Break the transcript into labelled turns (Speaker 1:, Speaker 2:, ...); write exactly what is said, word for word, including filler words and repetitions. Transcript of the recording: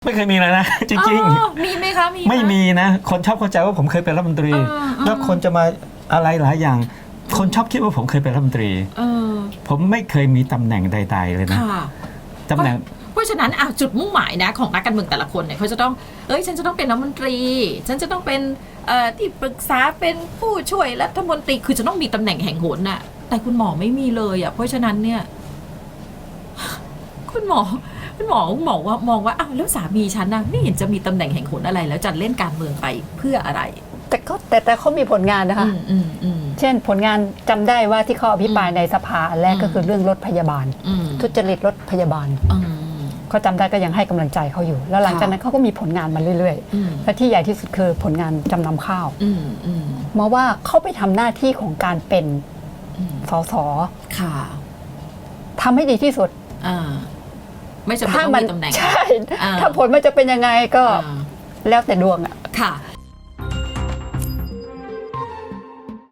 Speaker 1: ไม่เคยมีเลยนะจริง
Speaker 2: ๆมีไหมคะมี
Speaker 1: ไม่มีนะคนชอบเข้าใจว่าผมเคยเป็นรัฐมนตรีแล้วคนจะมาอะไรหลายอย่างคนชอบคิดว่าผมเคยเป็นรัฐมนตรีผมไม่เคยมีตำแหน่งใดๆเลยนะตำแหน่ง
Speaker 2: เพราะฉะนั้นจุดมุ่งหมายนะของนักการเมืองแต่ละคนเนี่ยเขาจะต้องเอ้ยฉันจะต้องเป็นรัฐมนตรีฉันจะต้องเป็นที่ปรึกษาเป็นผู้ช่วยรัฐมนตรีคือจะต้องมีตำแหน่งแห่งหนน่ะแต่คุณหมอไม่มีเลยอ่ะเพราะฉะนั้นเนี่ยคุณหมอคุณหมอมองว่ามองว่าอ้าวแล้วสามีฉันนะไม่เห็นจะมีตำแหน่งแห่งหนอะไรแล้วจะเล่นการเมืองไปเพื่ออะไร
Speaker 3: แต่ก็แต่แต่เขามีผลงานนะคะเช่นผลงานจำได้ว่าที่เขาอภิปรายในสภาแรกก็คือเรื่องรถพยาบาลทุจริตรถพยาบาลเขาจำได้ก็ยังให้กำลังใจเขาอยู่แล้วหลังจากนั้นเขาก็มีผลงานมาเรื่อยๆและที่ใหญ่ที่สุดคือผลงานจำนำข้าวมาว่าเขาไปทำหน้าที่ของการเป็นสสทำให้ดีที่สุด
Speaker 2: ไม่จำเป็นต้องมีตำแหน่ง
Speaker 3: ใช่ถ้าผลมันจะเป็นยังไงก็แล้วแต่ดวงอ่ะ
Speaker 2: ค่ะ